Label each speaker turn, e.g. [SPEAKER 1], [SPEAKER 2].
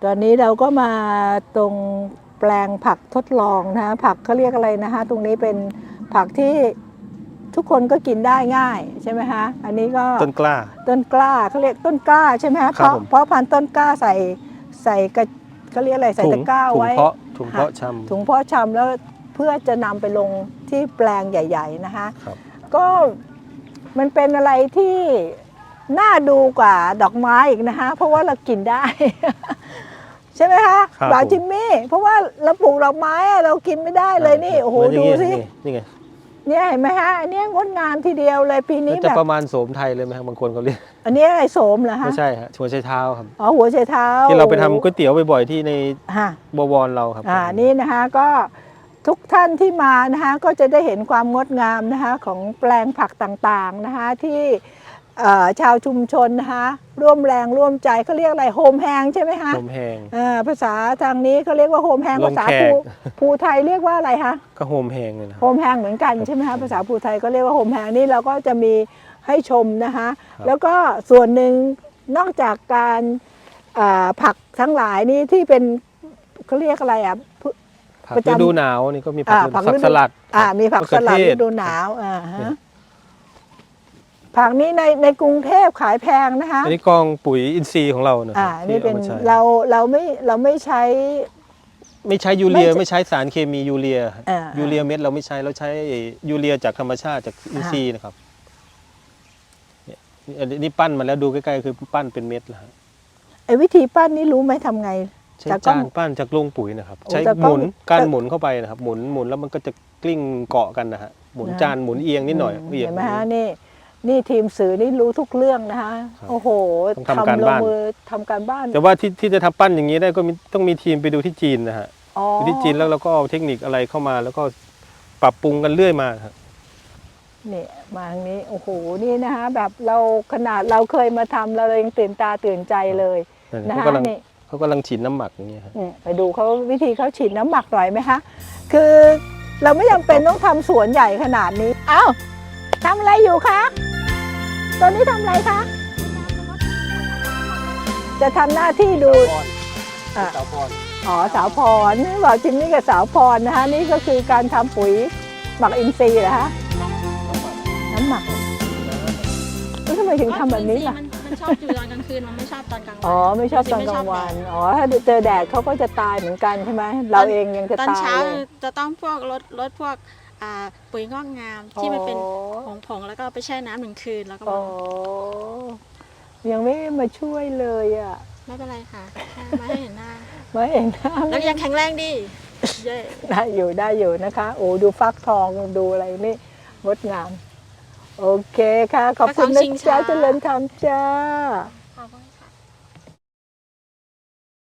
[SPEAKER 1] ตอนนี้เราก็มาตรงแปลงผักทดลองนะผักเขาเรียกอะไรนะคะตรงนี้เป็นผักที่ทุกคนก็กินได้ง่ายใช่ไหมคะอันนี้ก็
[SPEAKER 2] ต้นกล้า
[SPEAKER 1] เขาเรียกต้นกล้าใช่ไหมคะเพราะพันธุ์ต้นกล้าใส่กระเขาเรียกอะไรใส่ตะกร้าไว้
[SPEAKER 2] ถุงเพาะชำ
[SPEAKER 1] ถุงเพาะชำแล้วเพื่อจะนำไปลงที่แปลงใหญ่ๆนะคะก็มันเป็นอะไรที่น่าดูกว่าดอกไม้อีกนะคะเพราะว่าเรากินได้ ใช่ไหมคะบาจิมมี่เพราะว่าเราปลูกดอกไม้เรากินไม่ได้เลยนี่โอ้โหดูสิ
[SPEAKER 2] นี่ไง
[SPEAKER 1] เนี่ยเห็นไหมฮะอันนี้งดงามทีเดียวเลยปีนี้แบบ
[SPEAKER 2] ประมาณโสมไทยเลยไหมครับบางคนเขาเรียก
[SPEAKER 1] อันนี้อะไรโสมเหรอฮะ
[SPEAKER 2] ไม่ใช่ฮะหัวไชเท้าครับ
[SPEAKER 1] อ๋อหัวไชเท้า
[SPEAKER 2] ที่เราไปทำก๋วยเตี๋ยวบ่อยๆที่ในบวรเราครับ
[SPEAKER 1] นี่นะคะก็ทุกท่านที่มานะคะก็จะได้เห็นความงดงามนะคะของแปลงผักต่างๆนะคะที่ชาวชุมชนนะคะร่วมแรงร่วมใจเขาเรียกอะไรโฮมแฮงใช่ไหมคะ
[SPEAKER 2] โฮมแฮง
[SPEAKER 1] ภาษาทางนี้เขาเรียกว่าโฮมแฮงภาษาภูไทยเรียกว่าอะไรคะ
[SPEAKER 2] ก็โฮมแฮงเลยนะ
[SPEAKER 1] โฮมแฮงเหมือนกันใช่ไหมคะภาษาภูไทยก็เรียกว่าโฮมแฮงนี่เราก็จะมีให้ชมนะคะแล้วก็ส่วนหนึ่งนอกจากการผักทั้งหลายนี่ที่เป็นเขาเรียกอะไร
[SPEAKER 2] ผักฤดูหนาวนี่ก็มีผักสลัด
[SPEAKER 1] มีผักสลัดฤดูหนาวผักนี้ในกรุงเทพขายแพงนะคะ
[SPEAKER 2] อันนี้กองปุ๋ยอินทรีย์ของเรานะ
[SPEAKER 1] นี่เป็นเราไม่ใช้
[SPEAKER 2] ยูเรียไม่ใช้สารเคมียูเรียเม็ดเราไม่ใช้เราใช้ยูเรียจากธรรมชาติจากอินทรีย์นะครับนี่ปั้นมาแล้วดูใกล้ๆคือปั้นเป็นเม็ดแล้ว
[SPEAKER 1] ไอ้วิธีปั้นนี่รู้ไหมทำไง
[SPEAKER 2] ใช้จานปั้นจากโรงปุ๋ยนะครับใช้หมุนการหมุนเข้าไปนะครับหมุนแล้วมันก็จะกลิ้งเกาะกันนะฮะหมุนจานหมุนเอียงนิดหน่อย
[SPEAKER 1] เห็นไหมฮะนี่ทีมสื่อนี่รู้ทุกเรื่องนะคะโอ้โห
[SPEAKER 2] ทำการบ้านแต่ว่าที่จะทำปั้นอย่างนี้ได้ก็ต้องมีทีมไปดูที่จีนนะฮะที่จีนแล้วเราก็เอาเทคนิคอะไรเข้ามาแล้วก็ปรับปรุงกันเรื่อยมาครับ
[SPEAKER 1] นี่มาทางนี้โอ้โหนี่นะคะแบบขนาดเราเคยมาทำเรายังตื่นตาตื่นใจเลยนะคะนี่
[SPEAKER 2] เขากำลังฉีดน้ำหมักอย่างเงี้ย
[SPEAKER 1] ไปดูเขาวิธีเขาฉีดน้ำหมักหน่อยไหมคะคือเราไม่จำเป็นต้องทำสวนใหญ่ขนาดนี้อ้าวทำอะไรอยู่คะตอนนี้ทำอะไรคะจะทำหน้าที่ดู
[SPEAKER 2] สาวพร
[SPEAKER 1] สาวพรบอกจิมมี่กับสาวพรนะคะนี่ก็คือการทำปุ๋ยหมักอินทรีย์เหรอคะน้ำหมักแล้วทำไมถึงทำแบบนี้ล่ะ
[SPEAKER 3] มันชอบอยู่ตอนกลางคืนมันไม่ชอบตอนกลางวัน
[SPEAKER 1] ไม่ชอบตอนกลางวันถ้าเจอแดดเขาก็จะตายเหมือนกันใช่ไหมเราเองยังจะตาย
[SPEAKER 3] ตอนเช้าจะต้องพวกลดพวกปุ๋ยงอกงามที่มันเป็นผงแล้วก็ไปแช่น้ำ1 คืนแล้วก็
[SPEAKER 1] ยังไม่มาช่วยเลย
[SPEAKER 3] ไม่เป็นไรค่ะมาให้เห็นหน้า
[SPEAKER 1] แล้ว
[SPEAKER 3] ยังแข็งแรงดี
[SPEAKER 1] ได้อยู่นะคะโอ้ดูฟักทองดูอะไรนี่งดงามโอเคค่ะขอบคุณนะจ๊ะเจริญธรรมจ้า